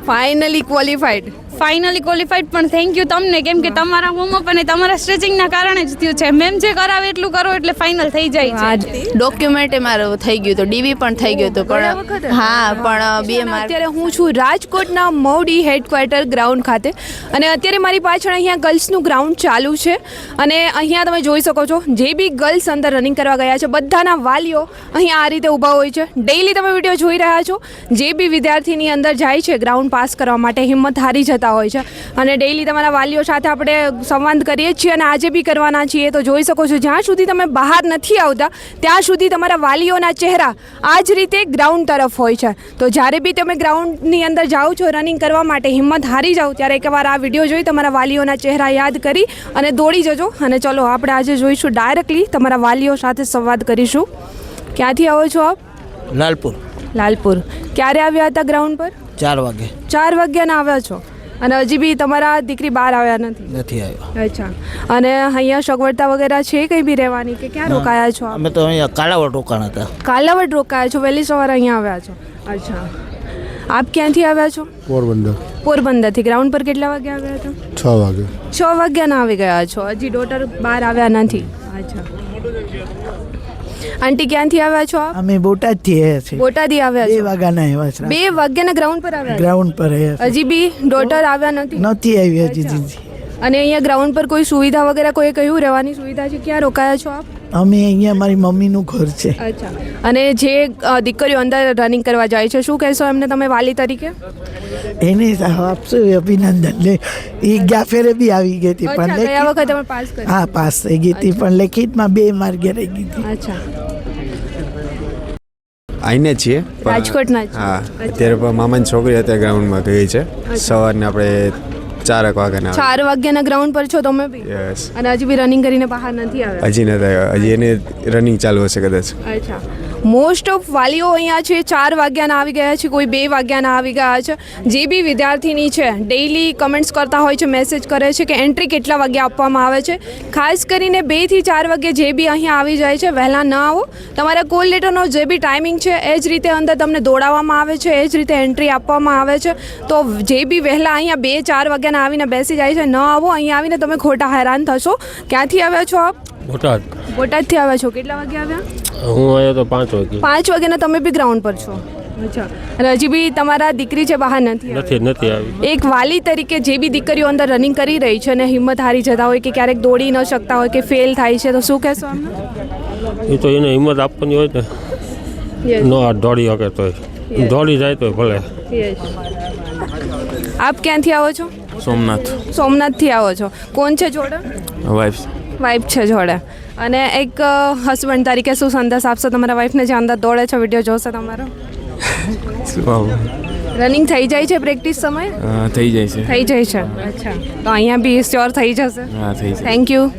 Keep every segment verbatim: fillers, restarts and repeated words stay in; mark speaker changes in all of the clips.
Speaker 1: Finally qualified
Speaker 2: finally qualified પણ thank you તમને, કેમ કે તમારા વોર્મઅપ અને તમારા સ્ટ્રેચિંગના કારણે જ થયું છે. મેમ જે કરાવે એટલું કરો એટલે ફાઇનલ થઈ જાય છે.
Speaker 3: ડોક્યુમેન્ટ મારું થઈ ગયું હતું, ડીવી પણ થઈ ગયું હતું, પણ હા પણ બે માર્ક.
Speaker 1: અત્યારે હું છું રાજકોટના મૌડી હેડક્વાર્ટર ગ્રાઉન્ડ ખાતે અને અત્યારે મારી પાછળ અહીંયા ગર્લ્સનું ગ્રાઉન્ડ ચાલુ છે અને અહીંયા તમે જોઈ શકો છો જે બી ગર્લ્સ અંદર રનિંગ કરવા ગયા છે બધાના વાલીઓ અહીંયા આ રીતે ઊભા હોય છે. ડેઈલી તમે વિડીયો જોઈ રહ્યા છો, જે બી વિદ્યાર્થીની અંદર જાય છે ગ્રાઉન્ડ પાસ કરવા માટે હિંમત હારી જતા હોય છે અને ડેઈલી તમારા વાલીઓ સાથે આપણે સંવાદ કરીએ છીએ અને આજે બી કરવાના છીએ. તો જોઈ શકો છો જ્યાં સુધી તમે બહાર નથી આવતા ત્યાં સુધી તમારા વાલીઓના ચહેરા આ જ રીતે ગ્રાઉન્ડ તરફ હોય છે. તો જ્યારે બી તમે ગ્રાઉન્ડની અંદર જાઓ છો રનિંગ કરવા માટે, હિંમત હારી જાઓ ત્યારે એકવાર આ વિડીયો જોઈ તમારા વાલીઓના ચહેરા યાદ કરી અને દોડી જજો. અને ચલો આપણે આજે જોઈશું ડાયરેક્ટલી તમારા વાલીઓ સાથે સંવાદ કરીશું. ક્યાંથી આવો છો આપ?
Speaker 4: લાલપુર.
Speaker 1: લાલપુર. ક્યારે આવ્યા હતા ગ્રાઉન્ડ પર?
Speaker 4: ચાર વાગે.
Speaker 1: ચાર વાગ્યાના આવ્યા છો અને હજી બી તમારા દીકરી બહાર આવ્યા નથી?
Speaker 4: નથી આવ્યા.
Speaker 1: અચ્છા. અને અહીંયા સગવડતા વગેરે છે કંઈ બી રહેવાની કે ક્યાં રોકાયા છો?
Speaker 4: અમે તો અહીંયા કાલાવડ રોકાણ હતા.
Speaker 1: કાલાવડ રોકાયા છો, વહેલી સવારે અહીંયા આવ્યા છો? અચ્છા. આપ ક્યાંથી આવ્યા છો?
Speaker 5: પોરબંદર.
Speaker 1: પોરબંદરથી. ગ્રાઉન્ડ પર કેટલા વાગે આવ્યા હતા?
Speaker 5: છ વાગે.
Speaker 1: છ વાગ્યાના આવી ગયા છો, હજી ડોટર બહાર આવ્યા નથી? અચ્છા. આંટી ક્યાંથી આવ્યા છો આપ?
Speaker 6: અમે બોટાદથી આવ્યા છીએ.
Speaker 1: બોટાદથી આવ્યા
Speaker 6: બે
Speaker 1: છો?
Speaker 6: વાગ્યાના આવ્યા છે.
Speaker 1: બે વાગ્યાના ગ્રાઉન્ડ પર આવ્યા?
Speaker 6: ગ્રાઉન્ડ પર આવ્યા
Speaker 1: હજી બી ડોટર આવ્યા નથી?
Speaker 6: નથી આવી હજી દીદી.
Speaker 1: અને અહીંયા ગ્રાઉન્ડ પર કોઈ સુવિધા વગેરે કોઈ કહ્યું રહેવાની સુવિધા છે? ક્યાં રોકાયા છો આપ?
Speaker 6: અમે અહીંયા મારી મમ્મીનું ઘર છે.
Speaker 1: અચ્છા. અને જે અ, દીકરીઓ અંદર રનિંગ કરવા જાય છે શું કહેશો એમને તમે વાલી તરીકે?
Speaker 6: એને આપશું અભિનંદન. લે એ ગયા ફેરે બી આવી ગઈ હતી
Speaker 1: અચ્છા,
Speaker 6: પણ
Speaker 1: ગયા
Speaker 6: લેખિત-
Speaker 1: વખતે તમે પાસ કરી?
Speaker 6: હા પાસ થઈ ગઈ હતી પણ લેખિતમાં બે માર્ગે રહી ગઈ હતી.
Speaker 1: અચ્છા.
Speaker 7: આઈને છીએ પણ-
Speaker 1: રાજકોટના જ છો?
Speaker 7: હા
Speaker 1: અચ્છા.
Speaker 7: અત્યારે પણ મામાની છોકરી અત્યારે ગ્રાઉન્ડમાં ગઈ છે સવારને આપણે ચારક વાગ્યાના
Speaker 1: ચાર વાગ્યાના ગ્રાઉન્ડ પર છો તમે બી?
Speaker 7: યસ
Speaker 1: અને હજી બી રનિંગ કરીને બહાર નથી આવ્યા?
Speaker 7: હજી નથી આવ્યા, હજી એને રનિંગ ચાલુ હશે કદાચ.
Speaker 1: અચ્છા. મોસ્ટ ઓફ વાલીઓ અહીંયા છે ચાર વાગ્યાના આવી ગયા છે, કોઈ બે વાગ્યાના આવી ગયા છે. જે બી વિદ્યાર્થીની છે ડેઈલી કમેન્ટ્સ કરતા હોય છે, મેસેજ કરે છે કે એન્ટ્રી કેટલા વાગે આપવામાં આવે છે. ખાસ કરીને બેથી ચાર વાગે જે બી અહીંયા આવી જાય છે વહેલા ન આવો. તમારા કોલ લેટરનો જે બી ટાઈમિંગ છે એ જ રીતે અંદર તમને દોડાવવામાં આવે છે, એ જ રીતે એન્ટ્રી આપવામાં આવે છે. તો જે બી વહેલા અહીંયા બે ચાર વાગ્યાના આવીને બેસી જાય છે, ન આવો. અહીંયા આવીને તમે ખોટા હેરાન થશો. ક્યાંથી આવ્યા છો આપ?
Speaker 5: બોટાદ.
Speaker 1: બોટાદથી આવ્યા છો. કેટલા વાગે આવ્યા?
Speaker 5: હું આવ્યો તો પાંચ વાગે.
Speaker 1: પાંચ વાગ્યાના તમે બી ગ્રાઉન્ડ પર છો? અચ્છા. અને હજી બી તમારા દીકરી છે બહાર નથી આવી?
Speaker 5: નથી નથી આવી.
Speaker 1: એક વાલી તરીકે જે બી દીકરીઓ અંદર રનિંગ કરી રહી છે અને હિંમત હારી જતા હોય કે ક્યારેક દોડી ન શકતા હોય કે ફેલ થાય છે તો શું કહેશો અમને?
Speaker 5: એ તો એને હિંમત આપવાની હોય ને.
Speaker 1: Yes.
Speaker 5: નો આ દોડી શકે તોય દોડી જાય તો ભલે.
Speaker 1: Yes. આપ ક્યાંથી આવો છો?
Speaker 7: સોમનાથ.
Speaker 1: સોમનાથથી આવો છો. કોણ છે જોડે?
Speaker 7: વાઇફ.
Speaker 1: વાઇફ છે જોડે. અને એક હસબન્ડ તરીકે શું સંદેશ આપશો તમારા વાઇફને જે અંદર દોડે છે, વિડીયો જોશે તમારો? રનિંગ થઈ જાય છે પ્રેક્ટિસ સમયે?
Speaker 7: થઈ જાય છે.
Speaker 1: થઈ જાય છે. અચ્છા. તો અહીંયા બી શ્યોર થઈ જશે?
Speaker 7: હા થઈ જાય.
Speaker 1: Thank you.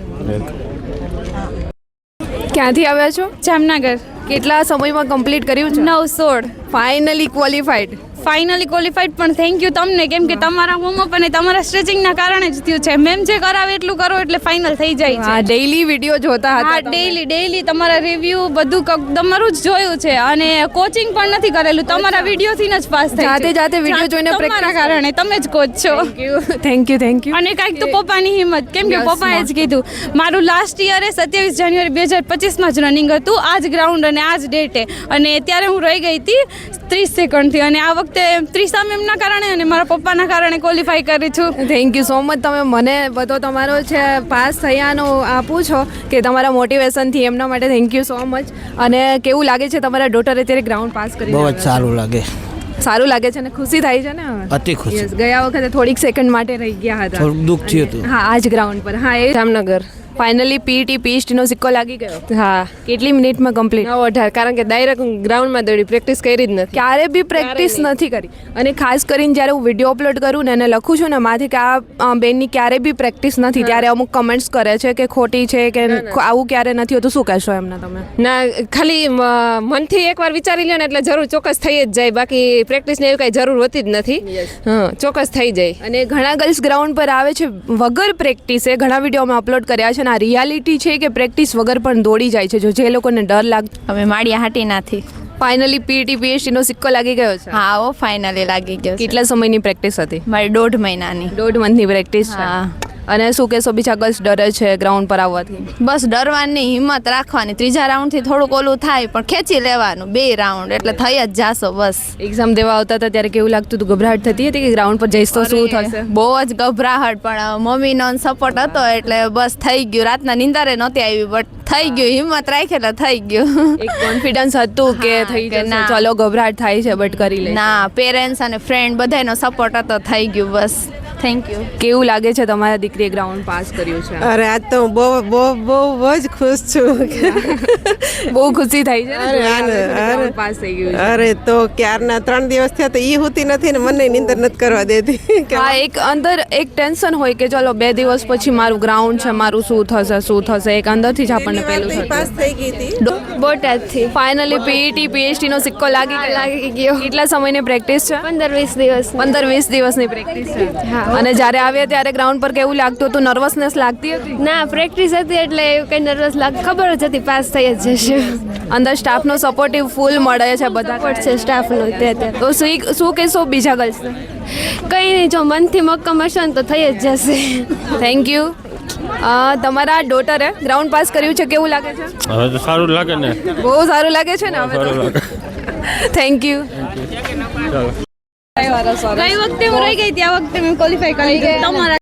Speaker 1: ક્યાંથી આવ્યા છો?
Speaker 2: જામનગર.
Speaker 1: કેટલા સમયમાં કમ્પ્લીટ કર્યું છે?
Speaker 2: નવ સોળ.
Speaker 1: Finally qualified.
Speaker 2: ફાઇનલી ક્વોલિફાઈડ પણ થેન્ક યુ તમને, કેમ કે તમારા વોર્મઅપ અને તમારા સ્ટ્રેચિંગના કારણે જ થયું છે. મેમ જે કરાવે એટલું કરો એટલે ફાઇનલ થઈ જાય
Speaker 1: હા,
Speaker 2: છે.
Speaker 1: ડેઈલી વિડીયો જોતા હતા
Speaker 2: હા,
Speaker 1: તમે.
Speaker 2: ડેઈલી ડેઈલી તમારા રિવ્યુ બધું ક- તમારું જ જોયું છે અને કોચિંગ પણ નથી કરેલું, તમારા વિડીયોથી જ પાસ થઈ
Speaker 1: જાતે જાતે video જોઈને
Speaker 2: તમારા
Speaker 1: practice
Speaker 2: કારણે તમે જ કોચ છો.
Speaker 1: Thank you thank you.
Speaker 2: અને કાંઈક તો પપ્પાની હિંમત, કેમ કે
Speaker 1: Yes,
Speaker 2: પપ્પાએ
Speaker 1: ma'am.
Speaker 2: જ કીધું મારું લાસ્ટ યરે સત્યાવીસ જાન્યુઆરી બે હજાર પચીસમાં જ રનિંગ હતું, આ જ ગ્રાઉન્ડ અને આ જ ડેટે, અને ત્યારે હું રહી ગઈ હતી ત્રીસ સેકન્ડથી અને આ વખતે ત્રીસા મેમના કારણે અને મારા પપ્પાના કારણે ક્વોલિફાય કરી છું.
Speaker 1: Thank you so much. તમે મને બધો તમારો છે પાસ થયાનો આપું છો કે તમારા મોટિવેશનથી, એમના માટે થેન્ક યુ સો મચ. અને કેવું લાગે છે તમારા ડોટરે અત્યારે ગ્રાઉન્ડ પાસ કરી?
Speaker 4: બહુ જ સારું લાગે.
Speaker 1: સારું લાગે છે ને ખુશી થાય છે ને હવે?
Speaker 4: અતિ ખુશી.
Speaker 1: Yes, ગયા વખતે થોડીક સેકન્ડ માટે રહી ગયા હતા.
Speaker 4: થોડુંક દુઃખ થયું હતું.
Speaker 1: હા, આ જ ગ્રાઉન્ડ પર. હા, એ જામનગર. ફાઇનલી પીટી પીએચડીનો સિક્કો લાગી ગયો?
Speaker 8: હા.
Speaker 1: કેટલી મિનિટમાં કમ્પ્લીટ?
Speaker 8: નવ અઢાર. કારણ કે ડાયરેક્ટ ગ્રાઉન્ડમાં દોડી, પ્રેક્ટિસ કરી જ નથી.
Speaker 1: ક્યારે બી પ્રેક્ટિસ નથી કરી. અને ખાસ કરીને જ્યારે હું વિડીયો અપલોડ કરું ને અને લખું છું ને માથી કે આ બેનની ક્યારે બી પ્રેક્ટિસ નથી, ત્યારે અમુક કમેન્ટ્સ કરે છે કે ખોટી છે કે આવું ક્યારે નથી હોતું. શું કહેશો એમને તમે?
Speaker 8: ના, ખાલી મ- મનથી એકવાર વિચારી લ્યો ને એટલે જરૂર ચોક્કસ થઈ જ જાય, બાકી પ્રેક્ટિસની એવી કાંઈ જરૂર હોતી જ નથી. હા, ચોક્કસ થઈ જાય.
Speaker 1: અને ઘણા ગર્લ્સ ગ્રાઉન્ડ પર આવે છે વગર પ્રેક્ટિસે. ઘણા વિડીયો અમે અપલોડ કર્યા છે અને આ રિયાલિટી છે કે પ્રેક્ટિસ વગર પણ દોડી જાય છે. જો જે લોકોને ડર લાગતો.
Speaker 3: અમે માળિયા હાટીનાથી.
Speaker 1: ફાઇનલી પીટી પીએચડી નો સિક્કો લાગી ગયો છે.
Speaker 3: હા ઓ ફાઇનલી લાગી ગયો છે.
Speaker 1: કેટલા સમયની પ્રેક્ટિસ હતી?
Speaker 3: મારી દોઢ મહિનાની.
Speaker 1: દોઢ મંથની પ્રેક્ટિસ છે.
Speaker 3: હા.
Speaker 1: અને શું કહેશો બીજા ગર્લ્સ ડરે છે ગ્રાઉન્ડ પર આવવાથી?
Speaker 3: બસ ડરવાની હિંમત રાખવાની. ત્રીજા રાઉન્ડથી થોડુંક ઓલું થાય પણ ખેંચી લેવાનું બે રાઉન્ડ એટલે થઈ જ જાશો બસ.
Speaker 1: એક્ઝામ દેવા આવતા હતા ત્યારે કેવું લાગતું હતું? ગભરાટ થતી હતી કે ગ્રાઉન્ડ પર જઈશ તો શું થશે?
Speaker 3: બહુ જ ગભરાહટ પણ મમ્મીનો સપોર્ટ હતો એટલે બસ થઈ ગયું. રાતના નિંદારે નહોતી આવી બટ થઈ ગયું. હિંમત રાખી એટલે થઈ ગયું.
Speaker 1: એક કોન્ફિડન્સ હતું કે
Speaker 3: હા,
Speaker 1: થઈ
Speaker 3: કે
Speaker 1: જશે,
Speaker 3: ના.
Speaker 1: ચલો ગભરાટ થાય છે બટ કરી લે.
Speaker 3: ના પેરેન્ટ્સ અને ફ્રેન્ડ બધાનો સપોર્ટ હતો થઈ ગયું બસ. Thank you.
Speaker 1: કેવું લાગે છે તમારા દીકરીએ ગ્રાઉન્ડ પાસ કર્યું છે?
Speaker 9: અરે આજ તો હું બહુ બહુ બહુ જ ખુશ છું.
Speaker 1: બહુ ખુશી થઈ છે ને
Speaker 9: અરે,
Speaker 1: જોઈને આવે છે
Speaker 9: અરે,
Speaker 1: કે
Speaker 9: અરે.
Speaker 1: ground પાસ થઈ ગયું છે.
Speaker 9: અરે તો ક્યારના ત્રણ દિવસ થયા તો એ હોતી નથી ને મને નીંદર નથી કરવા દેતી. કે
Speaker 1: હા, એક અંદર એક ટેન્શન હોય કે ચલો બે દિવસ પછી મારું ગ્રાઉન્ડ છે, મારું શું થશે શું થશે, એક અંદરથી જ આપણને
Speaker 9: પહેલી
Speaker 1: પેલું
Speaker 9: વાર તો ઈ પાસ
Speaker 1: થતું.
Speaker 9: થઈ ગઈ હતી.
Speaker 2: બોટાદથી
Speaker 1: ફાઇનલી પીઈટી પીએચડી નો સિક્કો લાગી ગયો.
Speaker 2: લાગી ગયો.
Speaker 1: કેટલા સમયની પ્રેક્ટિસ છે?
Speaker 2: પંદર વીસ દિવસ
Speaker 1: પંદર વીસ દિવસની પ્રેક્ટિસ છે.
Speaker 2: હા.
Speaker 1: અને જ્યારે આવ્યા ત્યારે ગ્રાઉન્ડ પર કેવું લાગતું હતું? નર્વસનેસ લાગતી હતી?
Speaker 2: ના પ્રેક્ટિસ હતી એટલે એવું કંઈ નર્વસ લાગ ખબર જ હતી પાસ થઈ જ જશે.
Speaker 1: અંદર સ્ટાફનો સપોર્ટિવ ફૂલ મળે છે બધા
Speaker 2: સપોર્ટ છે સ્ટાફનો તે અત્યારે
Speaker 1: તો શું શું કહેશો બીજા ગર્લ્સને?
Speaker 2: કંઈ નહીં જો મનથી મક્કમ હશે ને તો થઈ જ જશે.
Speaker 1: Thank you. તમારા ડોટરે ગ્રાઉન્ડ પાસ કર્યું છે, કેવું લાગે છે?
Speaker 5: હવે તો સારું લાગે ને.
Speaker 1: બહુ સારું લાગે છે ને હવે
Speaker 5: સારું
Speaker 1: તો.
Speaker 5: લાગે.
Speaker 1: Thank you.
Speaker 5: ચાલો.
Speaker 2: ગઈ વખતે હું રહી ગઈ હતી આ વખતે મેં ક્વોલિફાય કરી લીધું તમારા